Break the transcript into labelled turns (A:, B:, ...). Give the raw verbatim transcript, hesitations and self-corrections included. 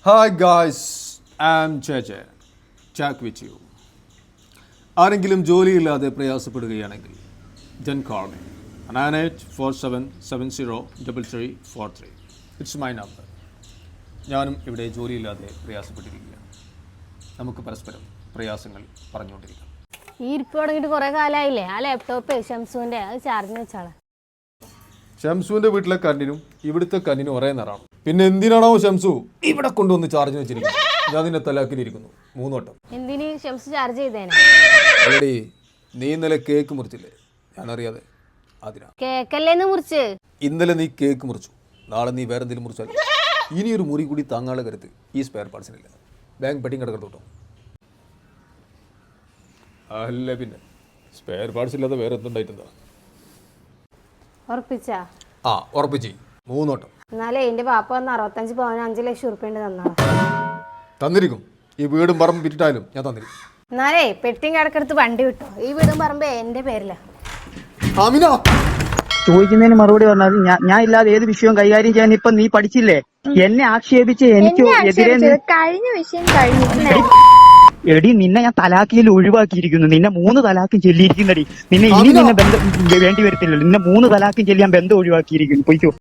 A: Hi guys, I'm J J. Jack with you. ആരെങ്കിലും ജോലിയില്ലാതെ പ്രയാസപ്പെടുകയാണെങ്കിൽ then call me. nine eight four seven seven zero three three four three. It's my number. ഞാനും ഇവിടെ ജോലിയില്ലാതെ പ്രയാസപ്പെട്ടിരിക്കുകയാണ്. നമുക്ക് പരസ്പരം പ്രയാസങ്ങൾ പറഞ്ഞുകൊണ്ടിരിക്കാം.
B: ഈ ഇരിപ്പ് തുടങ്ങിയിട്ട് കുറേ കാലമായില്ലേ? ആ ലാപ്ടോപ്പ് ഷംസുവിൻ്റെ അത് ചാർജിന് വെച്ചാണ്.
A: ഷംസുവിൻ്റെ വീട്ടിലെ കണ്ണിനും ഇവിടുത്തെ കണ്ണിനും ഒരേ നിറാണ്. പിന്നെ എന്തിനാണോ ഷംസു ഇവിടെ കൊണ്ടുവന്ന് ചാർജ് വെച്ചിരിക്കുന്നത്? ഞാൻ നിന്നെ തലാക്കിലിരിക്കുന്നു മൂന്നോട്ടം.
B: എന്തിന് ഷംസു ചാർജ് ചെയ്തേനെ?
A: അല്ലടി, നീ ഇന്നലെ കേക്ക് മുറിച്ചില്ലേ? ഞാൻ അറിയാതെ. അതിനാ
B: കേക്കല്ലേന്ന് മുറിച്ച്.
A: ഇന്നലെ നീ കേക്ക് മുറിച്ചു, നാളെ നീ വേറെ എന്തെങ്കിലും മുറിച്ചാൽ ഇനിയൊരു മുറി കൂടി താങ്ങാനുള്ള കരുത്ത് ഈ സ്പെയർ പാർട്സിനില്ല. ബാങ്ക് പെട്ടിങ് കിടക്കട്ടെ കേട്ടോ. അല്ല പിന്നെ സ്പെയർ പാർട്സ് ഇല്ലാതെ വേറെ എന്തുണ്ടായിട്ടുണ്ടോ?
B: ഉറപ്പിച്ചാ?
A: ആ ഉറപ്പിച്ച് മൂന്നോട്ടം.
B: എന്നാലേ എന്റെ പാപ്പ വന്ന് അറുപത്തഞ്ച് പവന് അഞ്ചു ലക്ഷം ഉറുപ്പ്യ തന്നാ
A: തന്നിരിക്കും. ഈ വീടും പറമ്പും വിറ്റിട്ടായാലും ഞാൻ തന്നിരിക്കും.
B: എന്നാലേ പെട്ടിങ് കിടക്കെടുത്ത് വണ്ടി വിട്ടോ. ഈ വീടും പറമ്പ് എന്റെ പേരില.
C: ചോദിക്കുന്നതിന് മറുപടി പറഞ്ഞാൽ ഞാൻ ഞാൻ ഇല്ലാതെ ഏത് വിഷയവും കൈകാര്യം ചെയ്യാൻ ഇപ്പൊ നീ പഠിച്ചില്ലേ? എന്നെ ആക്ഷേപിച്ച് എനിക്ക് എതിരെ
D: കഴിഞ്ഞ വിഷയം കഴിഞ്ഞു.
C: എടി നിന്നെ ഞാൻ തലാക്കിയിൽ ഒഴിവാക്കിയിരിക്കുന്നു. നിന്നെ മൂന്ന് തലാക്കും ചെല്ലിയിരിക്കുന്നടി. നിന്നെ ഇനി നിന്നെ ബന്ധം വേണ്ടി വരത്തില്ലല്ലോ. നിന്നെ മൂന്ന് തലാക്കും ചെല്ലിയാൻ ബന്ധം ഒഴിവാക്കിയിരിക്കുന്നു. പൊയ്ക്കോ.